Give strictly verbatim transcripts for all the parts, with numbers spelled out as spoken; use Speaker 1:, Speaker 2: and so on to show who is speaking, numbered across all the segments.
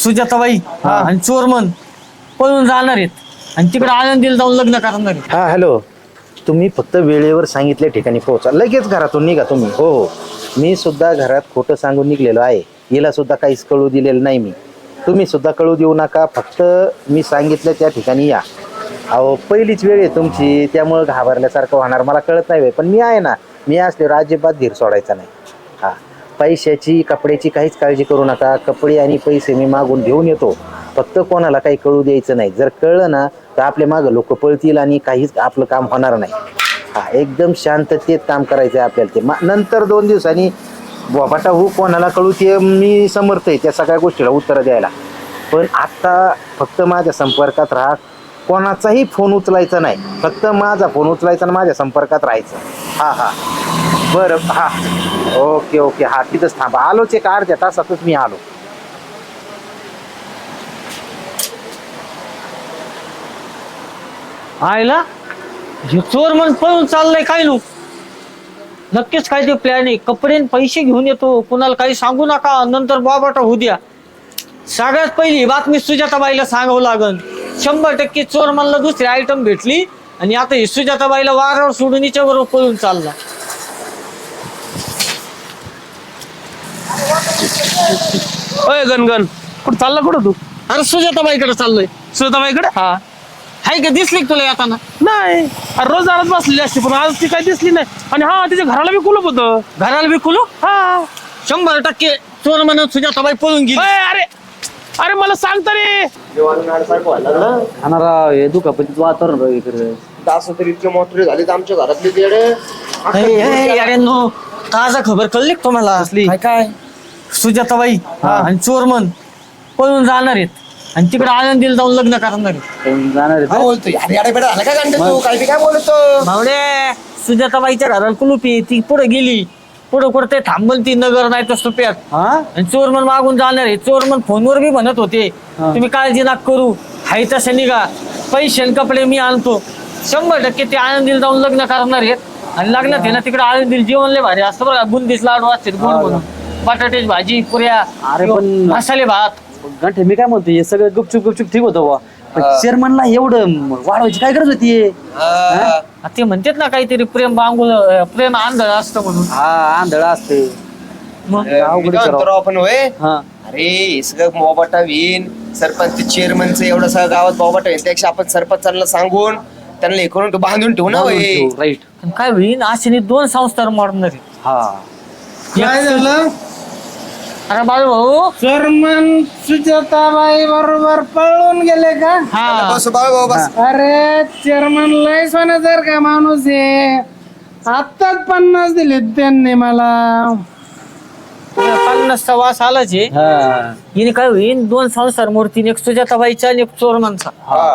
Speaker 1: सुजाताबाई आणि चोरमन पळून जाणार आहेत आणि तिकडे आनंदीला जाऊन लग्न करणार आहेत.
Speaker 2: हा हॅलो, तुम्ही फक्त वेळेवर सांगितल्या ठिकाणी पोहोचा, लगेच घरातून निघा तुम्ही. हो हो, मी सुद्धा घरात खोटं सांगून निघलेलो आहे. हिला सुद्धा काहीच कळू दिलेलं नाही मी. तुम्ही सुद्धा कळू देऊ नका, फक्त मी सांगितलं त्या ठिकाणी या. अहो पहिलीच वेळ आहे तुमची, त्यामुळं घाबरल्यासारखं होणार मला कळत नाही. पण मी आहे ना, मी असल्यावर अजिबात धीर सोडायचा नाही. हा, पैशाची कपड्याची काहीच काळजी करू नका. कपडे आणि पैसे मी मागून घेऊन येतो, फक्त कोणाला काही कळू द्यायचं नाही. जर कळलं ना तर आपल्या मागं लोक पळतील आणि काहीच आपलं काम होणार नाही. हा, एकदम शांततेत काम करायचं आहे आपल्याला. ते मा नंतर दोन दिवसांनी बाबाटा हो कोणाला कळू ते मी समर्थ आहे त्या सगळ्या गोष्टीला उत्तरं द्यायला. पण आत्ता फक्त माझ्या संपर्कात राहा, कोणाचाही फोन उचलायचा नाही. फक्त माझा फोन उचलायचा आणि माझ्या संपर्कात राहायचं. हां हां बरं, हां ओके ओके. हां तिथंच थांबा, आलोच एक अर्ध्या तासातच मी आलो.
Speaker 1: आयला हे चोर म्हणून पळून चाललंय काय लोक. नक्कीच काय ते प्लॅन आहे. कपडे आणि पैसे घेऊन येतो, कुणाला काही सांगू नका, नंतर बाबाटा होऊ द्या. सगळ्यात पहिली बातमी सुजाताबाईला सांगावं लागल. शंभर टक्के चोर म्हणला दुसरी आयटम भेटली आणि आता ही सुजाताबाईला वारावर सोडून हिच्या बरोबर पळून चालला.
Speaker 3: अय गणगण, कुठं चालला कुठं तू?
Speaker 1: अरे सुजाताबाईकडे चाललोय.
Speaker 3: सुजाताबाईकडे?
Speaker 1: हा, हाय का दिसली का तुला येताना?
Speaker 3: नाही, अरे रोज दारात बसलेली असते, पण आज ती काही दिसली नाही. आणि हा, तिच्या घराला बी कुलूप होतं.
Speaker 1: घराला बी खुलू?
Speaker 3: हा.
Speaker 1: शंभर टक्के चोर म्हणून सुजाताबाई पळून गेली.
Speaker 3: अय, अरे अरे मला सांग तरी.
Speaker 4: दुखापतीच वातावरण
Speaker 5: असं तरी इतके मोठे झाले आमच्या घरातले तेडे.
Speaker 1: अरे नो, ताजा खबर कळली का तुम्हाला?
Speaker 4: काय काय
Speaker 1: सुजाताबाई आणि चोरमन पळून जाणार आहेत आणि तिकडे आनंदीला जाऊन लग्न करणार आहेत.
Speaker 4: जाणार
Speaker 5: काय बोलतोय? अरे याडे बेडा झाला का गंडे तू? काय बी काय बोलतो?
Speaker 1: भावडे, सुजाताबाईच्या घराला कुलुपी, ती पुढे गेली. पुढे कुठे थांबल ती नगर नाही तर सुप्यात. आणि चोरमन मागून जाणार आहे. चोरमन फोनवर बी म्हणत होते तुम्ही काळजी नका करू, हाय तसं निघा, पैसे आणि कपडे मी आणतो. शंभर टक्के ते आनंदीला जाऊन लग्न करणार आहेत आणि लग्नात आहे ना तिकडे आनंदीला जेवण लय भारी असतं बघा. बुंदीच लाडू असते गोड म्हणून, बटाट्याची भाजी, पुऱ्या,
Speaker 4: अरे पण
Speaker 1: मसाले भात.
Speaker 4: गंठे मी काय म्हणतो, हे सगळं गुपचूप गुपचूप ठीक होतं बा, चेअरमनला एवढं वाढवायची काय गरज होती?
Speaker 1: ते म्हणतात ना काहीतरी प्रेम बांगुल, प्रेम आंधळ असतं म्हणून.
Speaker 4: हा, आंधळ असते.
Speaker 1: मग
Speaker 5: आपण होय.
Speaker 4: हा,
Speaker 5: अरे हे सगळं मोबाटा विन सरपंच चेअरमनचं एवढं सगळं गावात मोबाटा होईल, त्यापेक्षा आपण सरपंचांना सांगून त्यांना हे करून बांधून ठेवू ना.
Speaker 4: राईट.
Speaker 1: पण काय होईल, असे दोन संस्था मारणार आहेत.
Speaker 4: हा,
Speaker 6: काय झालं?
Speaker 1: अरे बाळू भाऊ,
Speaker 6: चेअरमन सुजाताबाई बरोबर पळून गेले का?
Speaker 1: हा
Speaker 5: बस बाळ भाऊ बस.
Speaker 6: अरे चेअरमन लय सोन्यासारखा का माणूस आहे. आत्ताच पन्नास दिले त्यांनी मला.
Speaker 1: पन्नासचा वास आलाच आहे.
Speaker 4: हा,
Speaker 1: हिने काय होईल, दोन संसार मूर्तीने, एक सुजाताबाईचा आणि एक चोरमनचा.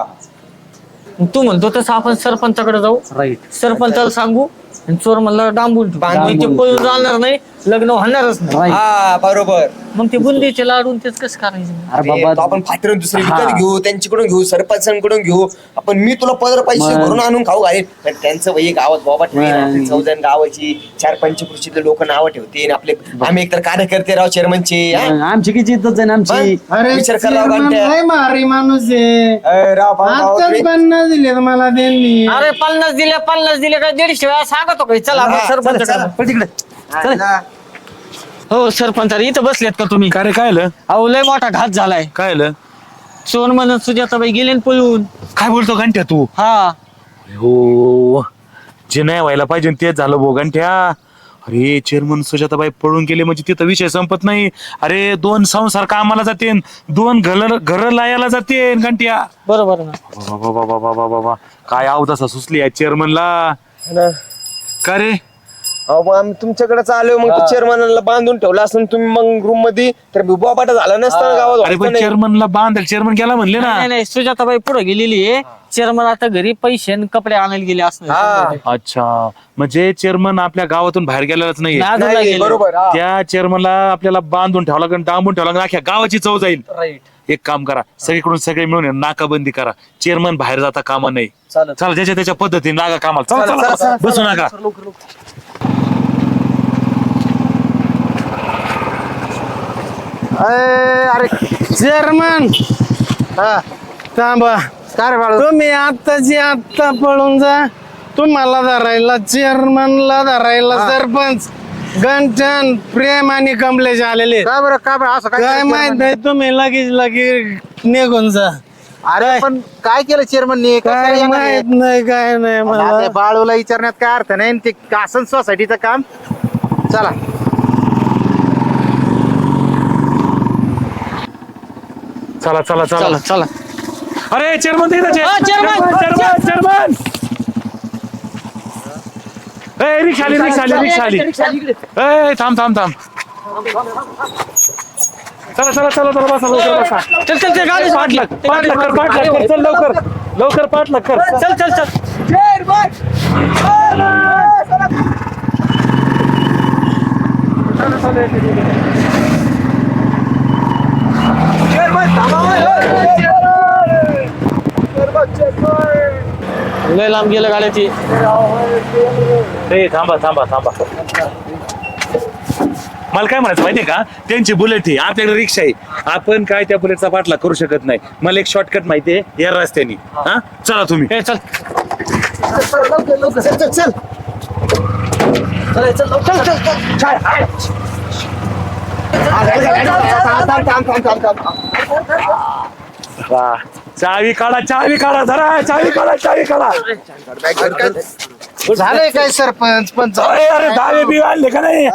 Speaker 1: मग तू म्हणतो तसं आपण सरपंचाकडे जाऊ,
Speaker 4: राईट.
Speaker 1: सरपंचाला सांगू आणि चोर म्हणला डांबून ठेवू.
Speaker 5: बांधून
Speaker 1: ते पळून जाणार नाही, लग्न होणारच नाही.
Speaker 5: हा बरोबर.
Speaker 1: मग ते बुंदीचे लाडून तेच कसं करायचं?
Speaker 4: अरे
Speaker 5: अरे, तो
Speaker 4: बाबा,
Speaker 5: आपण फाटून दुसरे विकत घेऊ, त्यांच्याकडून घेऊ, सरपंचांकडून घेऊ आपण. मी तुला पंधरा पैसे भरून आणून खाऊ घालेल. पण त्यांचं वय गावात बाबा ठेवेल, चौदा गावाची चार पंचकृषीतले लोक नावं ठेवते. आपले आम्ही एकतर कार्यकर्ते राव चेअरमनचे.
Speaker 4: आमची किती इज्जत आहे ना आमची.
Speaker 6: अरे
Speaker 5: विचार करा
Speaker 6: चेअरमन
Speaker 5: गांठ्या.
Speaker 6: लय भारी माणूस आहे.
Speaker 5: राव भाऊ, भाऊ,
Speaker 6: आत्ताच
Speaker 5: तुम्ही-
Speaker 6: पन्नास दिले मला त्यांनी.
Speaker 1: अरे पन्नास दिले, पन्नास दिले काय दीडशे वेळा सांगतो काय? चला आपण
Speaker 5: हा,
Speaker 1: सरपंचाकडे
Speaker 5: चला,
Speaker 1: जाऊ.
Speaker 4: तिकडे
Speaker 5: हा,
Speaker 1: हो सरपंच, इथं बसलेत का तुम्ही?
Speaker 3: काय रे, काय आलं?
Speaker 1: अहो लय मोठा घात झालाय.
Speaker 3: काय आलं?
Speaker 1: चोर म्हणून सुजाताबाई गेले न पळून.
Speaker 3: काय बोलतो गंठ्या तू?
Speaker 1: हा,
Speaker 3: हो, जे नाही व्हायला पाहिजे तेच झालं भो गंठ्या. अरे चेअरमन सुजाताबाई पळून गेले म्हणजे तिथं विषय संपत नाही. अरे दोन संसार कामाला जाते, दोन घर घर लायाला जाते गंठ्या.
Speaker 1: बरोबर ना.
Speaker 3: बाबा बाबा बाबा बाबा, काय अवदसा सुचली या चेअरमनला. का रे?
Speaker 5: अहो मग आम्ही तुमच्याकडेच आलो, मग चेअरमनला बांधून ठेवलं असं तुम्ही मग रूम मध्ये, तर बाबाटा झाला नसता गावात.
Speaker 3: अरे पण चेअरमनला बांध, चेअरमन गेला म्हणले ना.
Speaker 1: नाही नाही, सुजाताबाई पुढे गेलेली आहे. चेअरमन आता घरी पैसे आणि कपडे आणायला गेले असणार.
Speaker 3: अच्छा, म्हणजे चेअरमन आपल्या गावातून बाहेर गेलेलाच नाही.
Speaker 1: नादूला गेले.
Speaker 5: बरोबर. हा.
Speaker 3: त्या चेअरमनला आपल्याला बांधून ठेवला का, डांबून ठेवला का, अख्ख्या गावाची चव जाईल.
Speaker 4: राईट.
Speaker 3: एक काम करा, सगळीकडून सगळे मिळून नाकाबंदी करा. चेअरमन बाहेर जाता कामा नाही. चला ज्याच्या त्याच्या पद्धतीने लागा कामाला. चला, चला, चला, बसू नका.
Speaker 2: अय, अरे
Speaker 6: चेअरमन
Speaker 2: हा
Speaker 6: थांबा.
Speaker 2: काय रे बाळू
Speaker 6: तुम्ही आत्ताची आत्ता पळून जा. तुम्हाला धरायला चेअरमनला धरायला सरपंच गंठन प्रेम आणि कमलेश आलेले आहेत.
Speaker 2: का बरं का बरं असं
Speaker 6: काय
Speaker 2: केलं
Speaker 6: माहित
Speaker 2: chairman?
Speaker 6: नाही तुम्ही लगेच लगेच निघून जा.
Speaker 2: अरे पण काय केलं चेअरमननी
Speaker 6: काय माहित नाही काय नाही मला.
Speaker 2: बाळूला विचारण्यात काय अर्थ नाही आणि ते कासन सोसायटीचं काम चला
Speaker 3: चला चला चला
Speaker 1: चला चला
Speaker 3: अरे चेअरमन ते इथंच आहे.
Speaker 1: हा, chairman,
Speaker 3: चेअरमन चेअरमन ए रिक्षा आली रिक्षा आली रिक्षा आली ए थांब थांब थांब चला चला चला चला बसा लवकर बसा
Speaker 1: चल चल चल गाडी
Speaker 3: पाठ लाग पाठ लाग कर पाठ लाग कर चल लवकर लवकर पाठ लाग कर
Speaker 1: चल चल चल लय लांब गेलं गाड्याची.
Speaker 3: ए थांबा थांबा थांबा मला काय म्हणायचं माहितीये का त्यांची बुलेट आहे आपल्याकडे रिक्षा आहे आपण काय त्या बुलेटचा पाठलाग करू शकत नाही मला एक शॉर्टकट माहितीये या रस्त्याने हा चला तुम्ही
Speaker 1: ए, चल
Speaker 3: वा. चावी काढा चावी काढा धरा चावी काढा चावी काढा
Speaker 2: झालंय काय सरपंच पण
Speaker 3: अरे अरे दावे बी आणले का नाही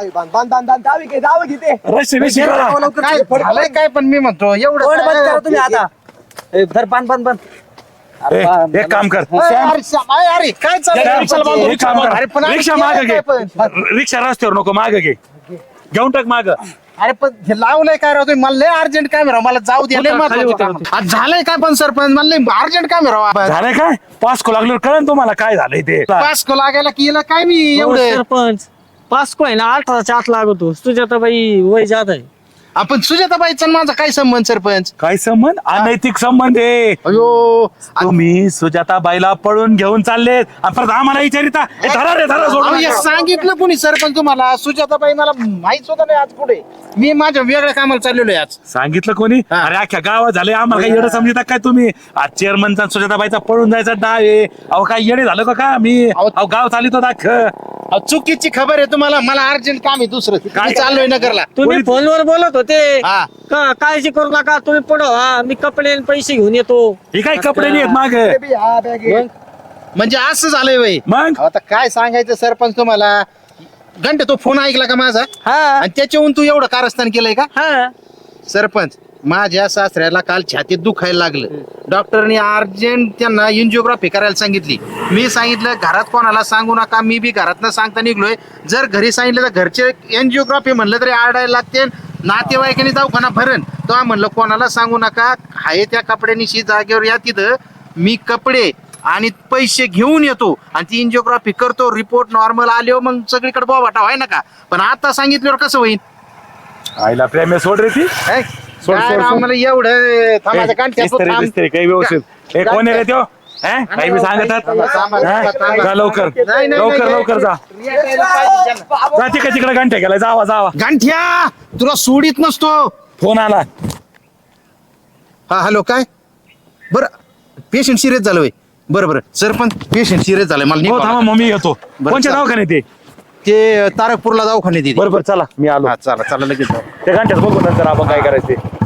Speaker 3: रस्ते बिस्ते काढा.
Speaker 2: काय झालंय काय पण मी म्हणतो एवढं
Speaker 4: बंद
Speaker 2: काय-
Speaker 4: करा तुम्ही आता ए, धर बांध बांध बांध
Speaker 3: ए, एक काम कर
Speaker 2: अरे, अरे, श्याम, अरे, अरे, काय चाललंय?
Speaker 3: रिक्षाला बांधू, रिक्षा मागं.
Speaker 2: अरे, पण आम्ही
Speaker 3: रिक्षा
Speaker 2: केलंय
Speaker 3: मागं घे
Speaker 2: काय पण?
Speaker 3: रिक्षा रस्त्यावर नको माग घे घेऊन टाक माग
Speaker 2: अरे पण हे लावलंय काय राव तुम्ही मला लय अर्जंट काम आहे राव मला जाऊ दे लय
Speaker 1: खाली
Speaker 2: महत्वाचं
Speaker 1: उतर,
Speaker 2: काम. आज झालंय काय पण सरपंच मला लय अर्जंट काम आहे राव
Speaker 3: झालंय काय पास को लागल्यावर कळन तुम्हाला काय झालंय ते
Speaker 2: पास को लागायला की याला काय मी एवढं
Speaker 1: सरपंच पास को आहे ना अठराच्या आत लागतो सुजाताबाई वय जात आहे.
Speaker 2: आपण सुजाताबाईचा आणि माझा काय संबंध सरपंच
Speaker 3: काय संबंध अनैतिक संबंध आहे
Speaker 2: अयो
Speaker 3: तुम्ही सुजाताबाईला पळून घेऊन चाललेत आणि परत आम्हाला विचारिता ए, धरा रे धरा
Speaker 2: अहो,
Speaker 3: सोडून
Speaker 2: हे सांगितलं कोणी सरपंच तुम्हाला सुजाताबाई मला माहित सुद्धा नाही आज पुढे मी माझ्या वेगळ्या कामाला चाललेलो आहे आज
Speaker 3: सांगितलं कोणी
Speaker 2: हा.
Speaker 3: अरे अख्ख्या गावात झाले आम्हाला काही येडं समजता काय तुम्ही आज चेअरमनचा सुजाताबाईचा पळून जायचा डाव आहे अहो काय येडे झालं का का मी
Speaker 2: अहो.
Speaker 3: अहो गाव चालितो दाख
Speaker 2: अहो, चुकीची खबर आहे तुम्हाला मला अर्जंट काम आहे दुसरं
Speaker 3: काय?
Speaker 2: मी चाललोय नगरला
Speaker 1: तुम्ही फोनवर बोलत होते
Speaker 2: हा.
Speaker 1: का काळजी करू नका तुम्ही पुढं हा मी कपडे आणि पैसे घेऊन येतो.
Speaker 3: हे काय कपडे नाहीत माग
Speaker 2: म्हणजे असं झालंय वय
Speaker 3: मग
Speaker 2: आता काय सांगायचं सरपंच तुम्हाला घंटे तो फोन ऐकला का माझा
Speaker 1: हा
Speaker 2: आणि त्याच्याहून तू एवढं कारस्थान केलंय का
Speaker 1: हा
Speaker 2: सरपंच माझ्या सासऱ्याला काल छातीत दुखायला लागलं डॉक्टरनी अर्जंट त्यांना एन्जिओग्राफी करायला सांगितली मी सांगितलं घरात कोणाला सांगू नका मी बी घरात न सांगता निघलोय जर घरी सांगितलं तर घरचे एन्जिओग्राफी म्हणलं तरी आरडायला लागते नातेवाईकांनी दवाखाना भरण तेव्हा म्हणलं कोणाला सांगू नका हाय त्या कपड्यानिशी जागेवर या तिथं मी कपडे आणि पैसे घेऊन येतो आणि ती एन्जिओग्राफी करतो रिपोर्ट नॉर्मल आले मग सगळीकडे बोबाटा व्हाय नका पण आता सांगितल्यावर कसं होईल
Speaker 3: आईला प्रेम आहे, सोड रे ती
Speaker 2: काय
Speaker 3: सोड, सोड, सोड.
Speaker 2: मला एवढं थांबायचं कारण
Speaker 3: इस्त्री, इस्त्री, काही व्यवस्थित हे कोण आहे रे त्यो हे? काही बी सांगतात
Speaker 2: थांबा, थांबा,
Speaker 3: हा?
Speaker 2: थांबा.
Speaker 3: जा लवकर
Speaker 2: नाही, नाही,
Speaker 3: लवकर
Speaker 2: नाही,
Speaker 3: लवकर जा जा तिकडे तिकडे घंटे गेला जावा जावा
Speaker 2: गांठ्या तुला सोडित नसतो
Speaker 3: फोन आला
Speaker 2: हा हॅलो काय बरं पेशंट सिरियस झालं होय बरं बरं सर पण पेशंट सिरियस झालंय मला
Speaker 3: हो
Speaker 2: निघावं
Speaker 3: थांबा
Speaker 2: लागेल.
Speaker 3: मम्मी येतो
Speaker 2: बरं,
Speaker 3: कोणच्या
Speaker 2: चालेल.
Speaker 3: दवाखान्यात ते
Speaker 2: ते तारकपूरला दवाखान्यात येते
Speaker 3: बरोबर चला मी आलो
Speaker 2: हा चला चला लगेच जाऊ.
Speaker 3: त्या घंट्यात बघू नंतर आपण काय करायचं ते.